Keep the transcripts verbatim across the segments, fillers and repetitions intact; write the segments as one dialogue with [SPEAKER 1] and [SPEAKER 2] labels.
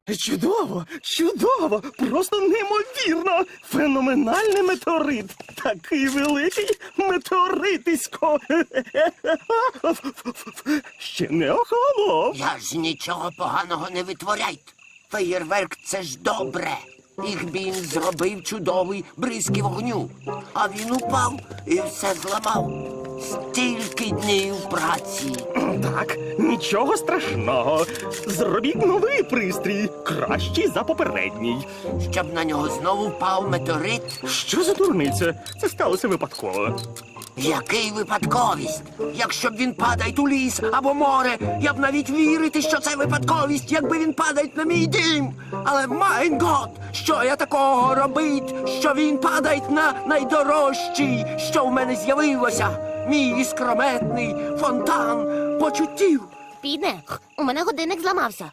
[SPEAKER 1] Чудово, чудово, просто неймовірно. Феноменальний метеорит. Такий великий метеоритисько. Ще не охолонув.
[SPEAKER 2] Я ж нічого поганого не витворяйте. Феєрверк – це ж добре. Ігбін зробив чудовий бризки вогню. А він упав і все зламав. Стільки днів праці.
[SPEAKER 1] Так, нічого страшного. Зробіть новий пристрій, кращий за попередній.
[SPEAKER 2] Щоб на нього знову впав метеорит?
[SPEAKER 1] Що за дурниця? Це сталося випадково.
[SPEAKER 2] Який випадковість? Якщо б він падає у ліс або море, я б навіть вірити, що це випадковість, якби він падає на мій дім. Але, майн гот, що я такого робить, що він падає на найдорожчий, що в мене з'явилося? Мій іскрометний фонтан почуттів.
[SPEAKER 3] Піде, у мене годинник зламався.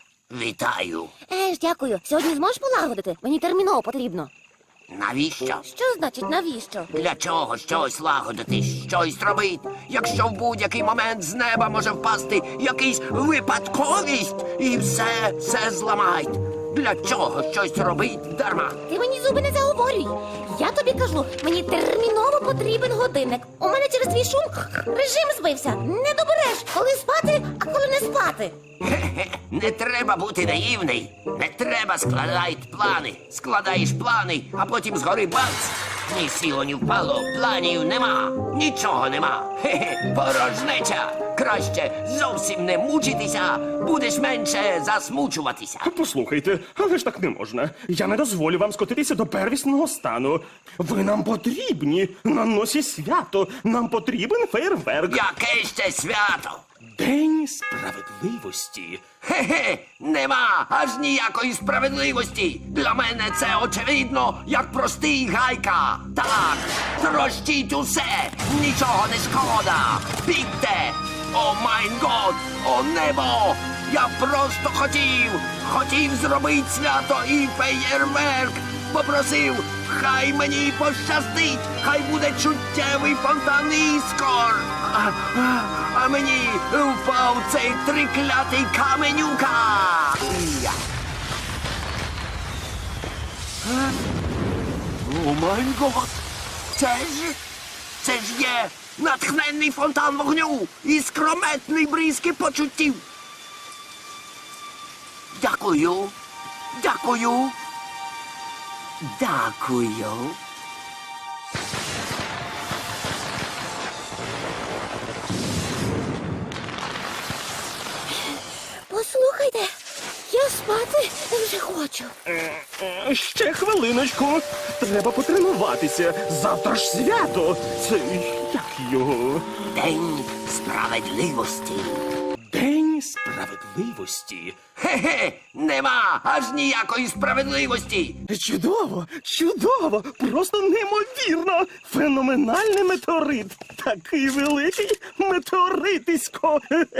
[SPEAKER 2] Вітаю.
[SPEAKER 3] Еж, дякую. Сьогодні зможеш полагодити? Мені терміново потрібно.
[SPEAKER 2] Навіщо?
[SPEAKER 3] Що значить навіщо?
[SPEAKER 2] Для чого щось лагодити, щось робити, якщо в будь-який момент з неба може впасти якийсь випадковість і все, все зламають? Для чого щось робить дарма?
[SPEAKER 3] Ти мені зуби не заговорюй. Я тобі кажу, мені терміново потрібен годинник. У мене через твій шум режим збився. Не добереш, коли спати, а коли не спати.
[SPEAKER 2] Хе-хе, не треба бути наївний. Не треба складати плани. Складаєш плани, а потім згори бац. Ні сіло, ні впало, планів нема. Нічого нема. Хе-хе, порожнеча. Краще зовсім не мучитися, будеш менше засмучуватися.
[SPEAKER 1] Послухайте, але ж так не можна. Я не дозволю вам скотитися до первісного стану. Ви нам потрібні. На носі свято. Нам потрібен фейерверк.
[SPEAKER 2] Яке ще свято?
[SPEAKER 1] День справедливості.
[SPEAKER 2] Хе-хе, нема аж ніякої справедливості. Для мене це очевидно, як простий гайка. Так, трощіть усе, нічого не шкода. Бігте! О майн год, о небо! Я просто хотів, хотів зробити свято і феєрверк. Попросив, хай мені пощастить, хай буде чуттєвий фонтан іскор. А, а, а мені впав цей триклятий каменюка. Я. Е? О май гот! Це ж, це ж є натхненний фонтан вогню і скрометний бризки почуттів. Дякую, дякую, дякую.
[SPEAKER 3] Послухайте, я спати вже хочу.
[SPEAKER 1] Е, Ще хвилиночку. Треба потренуватися. Завтра ж свято. Це як його?
[SPEAKER 2] День справедливості.
[SPEAKER 1] День справедливості.
[SPEAKER 2] Хе-хе, нема аж ніякої справедливості.
[SPEAKER 1] Чудово, чудово, просто неймовірно. Феноменальний метеорит. Такий великий метеоритисько.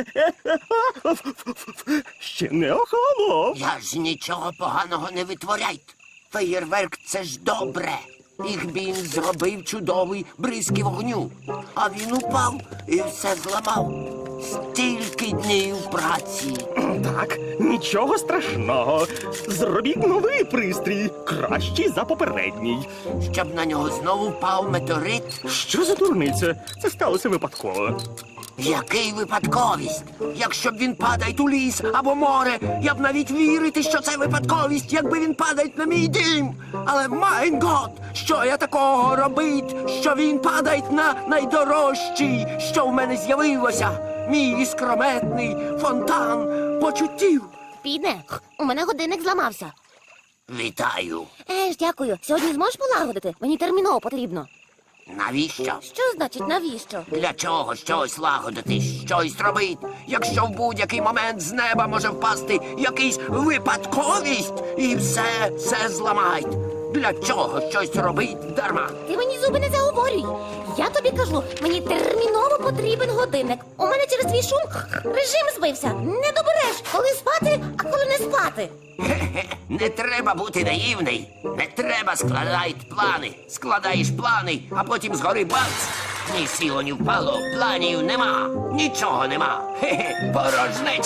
[SPEAKER 1] Ще не охолонув.
[SPEAKER 2] Я ж нічого поганого не витворяйте. Феєрверк – це ж добре. Ігбін зробив чудовий бризки вогню. А він упав і все зламав. Стільки днів праці.
[SPEAKER 1] Так, нічого страшного. Зробіть новий пристрій, кращий за попередній.
[SPEAKER 2] Щоб на нього знову впав метеорит?
[SPEAKER 1] Що за дурниця? Це сталося випадково.
[SPEAKER 2] Який випадковість? Якщо б він падає у ліс або море, я б навіть вірити, що це випадковість, якби він падає на мій дім. Але, майн гот, що я такого робить, що він падає на найдорожчий, що в мене з'явилося? Мій іскрометний фонтан почуттів.
[SPEAKER 3] Піде, у мене годинник зламався.
[SPEAKER 2] Вітаю.
[SPEAKER 3] Еж, дякую. Сьогодні зможеш полагодити? Мені терміново потрібно.
[SPEAKER 2] Навіщо?
[SPEAKER 3] Що значить навіщо?
[SPEAKER 2] Для чого щось лагодити, щось робити, якщо в будь-який момент з неба може впасти якийсь випадковість і все, все зламають? Для чого щось робить дарма?
[SPEAKER 3] Ти мені зуби не заговорюй. Я тобі кажу, мені терміново потрібен годинник. У мене через твій шум режим збився. Не добереш, коли спати, а коли не спати.
[SPEAKER 2] Хе-хе, не треба бути наївний. Не треба складати плани. Складаєш плани, а потім згори бац. Ні сіло, ні впало, планів нема. Нічого нема. Хе-хе, порожнеча.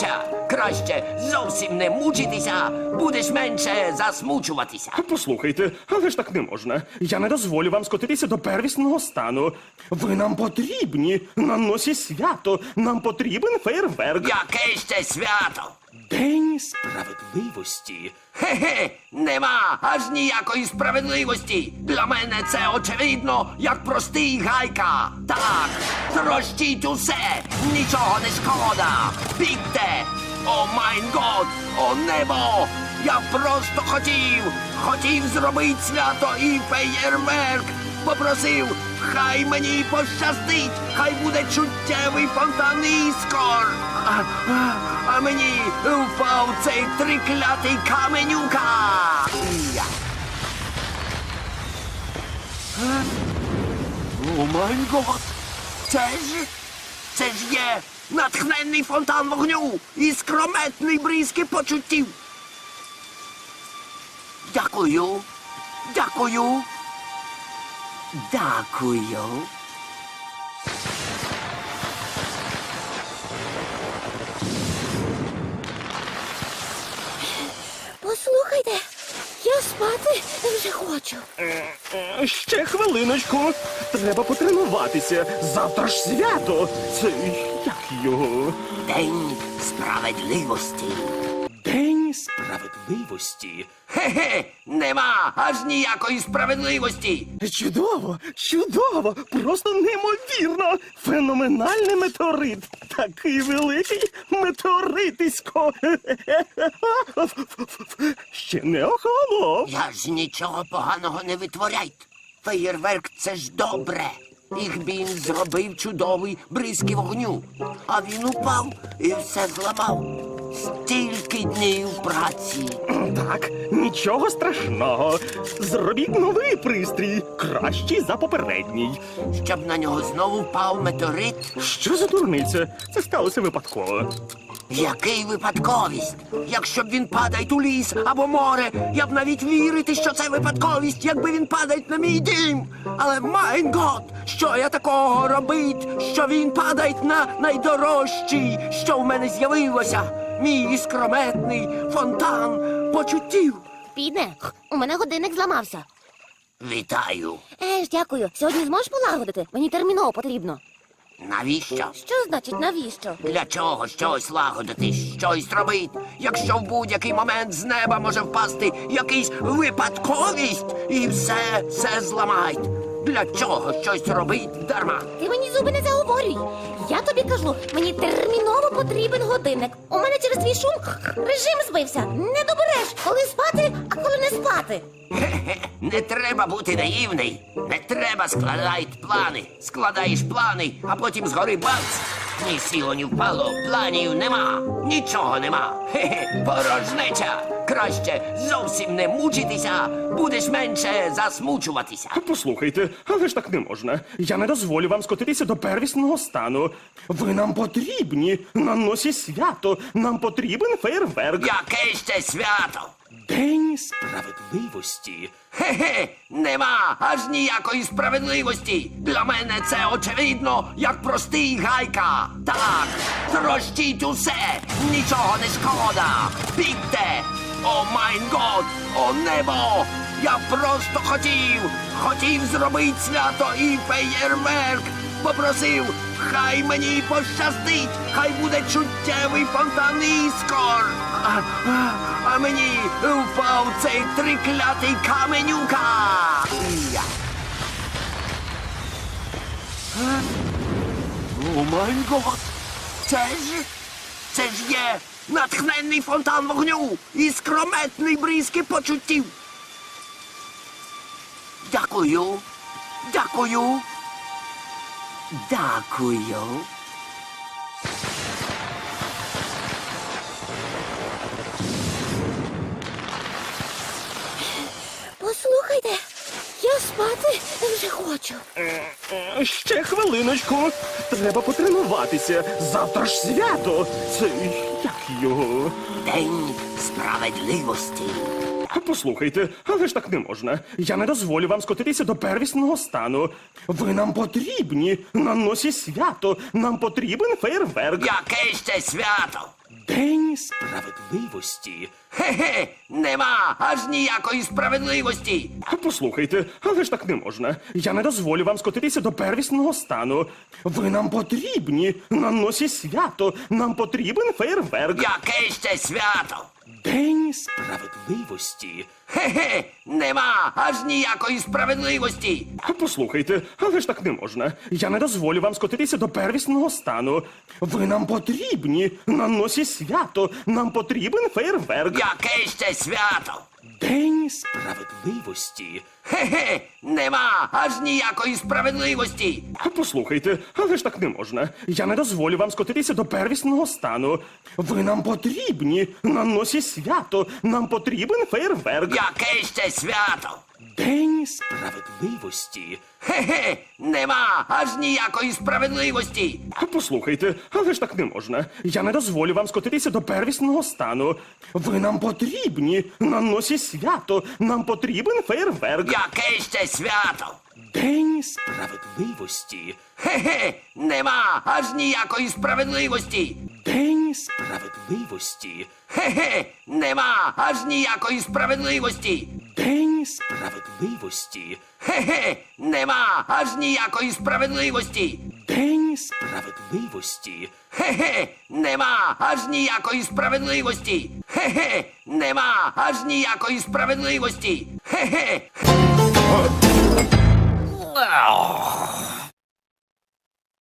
[SPEAKER 2] Краще зовсім не мучитися, будеш менше засмучуватися.
[SPEAKER 1] Послухайте, але ж так не можна. Я не дозволю вам скотитися до первісного стану. Ви нам потрібні на носі свято. Нам потрібен фейерверк.
[SPEAKER 2] Яке ще свято?
[SPEAKER 1] День справедливості.
[SPEAKER 2] Хе-хе, нема аж ніякої справедливості. Для мене це очевидно, як простий гайка. Так, трощіть усе, нічого не шкода. Бігте! О майн год, о небо! Я просто хотів, хотів зробити свято і феєрверк. Попросив, хай мені пощастить, хай буде чуттєвий фонтан іскор. А, а, а мені впав цей триклятий каменюка. Я. Е? О май гот! Це ж, це ж є натхненний фонтан вогню і скрометний бризки почуттів. Дякую, дякую. Дякую.
[SPEAKER 3] Послухайте, я спати вже хочу.
[SPEAKER 1] Е, Ще хвилиночку. Треба потренуватися. Завтра ж свято. Це як його?
[SPEAKER 2] День справедливості.
[SPEAKER 1] День справедливості.
[SPEAKER 2] Хе-хе, нема аж ніякої справедливості.
[SPEAKER 1] Чудово, чудово, просто неймовірно. Феноменальний метеорит. Такий великий метеоритисько. Ще не охолонув.
[SPEAKER 2] Я ж нічого поганого не витворяйте. Феєрверк — це ж добре. Їх він зробив чудовий бризки вогню. А він упав і все зламав. Стільки днів праці.
[SPEAKER 1] Так, нічого страшного. Зробіть новий пристрій, кращий за попередній.
[SPEAKER 2] Щоб на нього знову впав метеорит.
[SPEAKER 1] Що за дурниця? Це сталося випадково.
[SPEAKER 2] Який випадковість? Якщо б він падає у ліс або море, я б навіть вірити, що це випадковість, якби він падає на мій дім. Але майн гот, що я такого робить, що він падає на найдорожчий, що в мене з'явилося? Мій іскрометний фонтан почуттів.
[SPEAKER 3] Підне, у мене годинник зламався.
[SPEAKER 2] Вітаю.
[SPEAKER 3] Е ж, дякую. Сьогодні зможеш полагодити? Мені терміново потрібно.
[SPEAKER 2] Навіщо?
[SPEAKER 3] Що значить навіщо?
[SPEAKER 2] Для чого щось лагодити, щось робить, якщо в будь-який момент з неба може впасти якийсь випадковість і все, все зламають. Для чого щось робить дарма?
[SPEAKER 3] Ти мені зуби не заговорюй. Я тобі кажу, мені терміново потрібен годинник. У мене через твій шум режим збився. Не добереш, коли спати, а коли не спати.
[SPEAKER 2] Хе-хе, не треба бути наївний. Не треба складати плани. Складаєш плани, а потім згори бац. Ні сіло, ні впало, планів нема. Нічого нема. Хе-хе, порожнеча. Краще зовсім не мучитися, будеш менше засмучуватися.
[SPEAKER 1] Послухайте, але ж так не можна. Я не дозволю вам скотитися до первісного стану. Ви нам потрібні на носі свято. Нам потрібен фейерверк.
[SPEAKER 2] Яке ще свято?
[SPEAKER 1] День справедливості.
[SPEAKER 2] Хе-хе, нема аж ніякої справедливості. Для мене це очевидно, як простий гайка. Так, трощіть усе, нічого не шкода. Бігте! О майн год, о небо! Я просто хотів, хотів зробити свято і феєрверк. Попросив, хай мені пощастить, хай буде чуттєвий фонтан іскор. А, а, а мені впав цей триклятий каменюка. Я. Е? О май гот! Це ж, це ж є натхненний фонтан вогню і скрометний бризки почуттів. Дякую, дякую. Дякую.
[SPEAKER 3] Послухайте, я спати вже хочу.
[SPEAKER 1] Е, Ще хвилиночку. Треба потренуватися. Завтра ж свято. Це як його?
[SPEAKER 2] День справедливості.
[SPEAKER 1] Послухайте, але ж так не можна. Я не дозволю вам скотитися до первісного стану. Ви нам потрібні на носі свято. Нам потрібен фейерверк.
[SPEAKER 2] Яке ще свято?
[SPEAKER 1] День справедливості.
[SPEAKER 2] Хе-хе, нема аж ніякої справедливості.
[SPEAKER 1] Послухайте, але ж так не можна. Я не дозволю вам скотитися до первісного стану. Ви нам потрібні на носі свято. Нам потрібен фейерверк.
[SPEAKER 2] Яке ще свято?
[SPEAKER 1] День справедливості.
[SPEAKER 2] Хе-хе, нема аж ніякої справедливості.
[SPEAKER 1] Послухайте, але ж так не можна. Я не дозволю вам скотитися до первісного стану. Ви нам потрібні на носі свято. Нам потрібен фейерверк.
[SPEAKER 2] Яке ще свято?
[SPEAKER 1] День справедливості.
[SPEAKER 2] Хе-хе, нема аж ніякої справедливості.
[SPEAKER 1] Послухайте, але ж так не можна. Я не дозволю вам скотитися до первісного стану. Ви нам потрібні на носі свято. Нам потрібен фейерверк.
[SPEAKER 2] Яке ще свято?
[SPEAKER 1] День справедливості.
[SPEAKER 2] Хе-хе, нема аж ніякої справедливості.
[SPEAKER 1] Послухайте, але ж так не можна. Я не дозволю вам скотитися до первісного стану. Ви нам потрібні на носі свято. Нам потрібен фейерверк.
[SPEAKER 2] Яке ще свято?
[SPEAKER 1] День справедливості.
[SPEAKER 2] Хе-хе, нема аж ніякої справедливості.
[SPEAKER 1] День справедливості.
[SPEAKER 2] Хе-хе, нема аж ніякої справедливості.
[SPEAKER 1] День справедливості.
[SPEAKER 2] Хе-хе, нема аж ніякої справедливості.
[SPEAKER 1] День справедливості.
[SPEAKER 2] Хе-хе, нема аж ніякої справедливості. Хе-хе, нема аж ніякої справедливості. Хе-хе.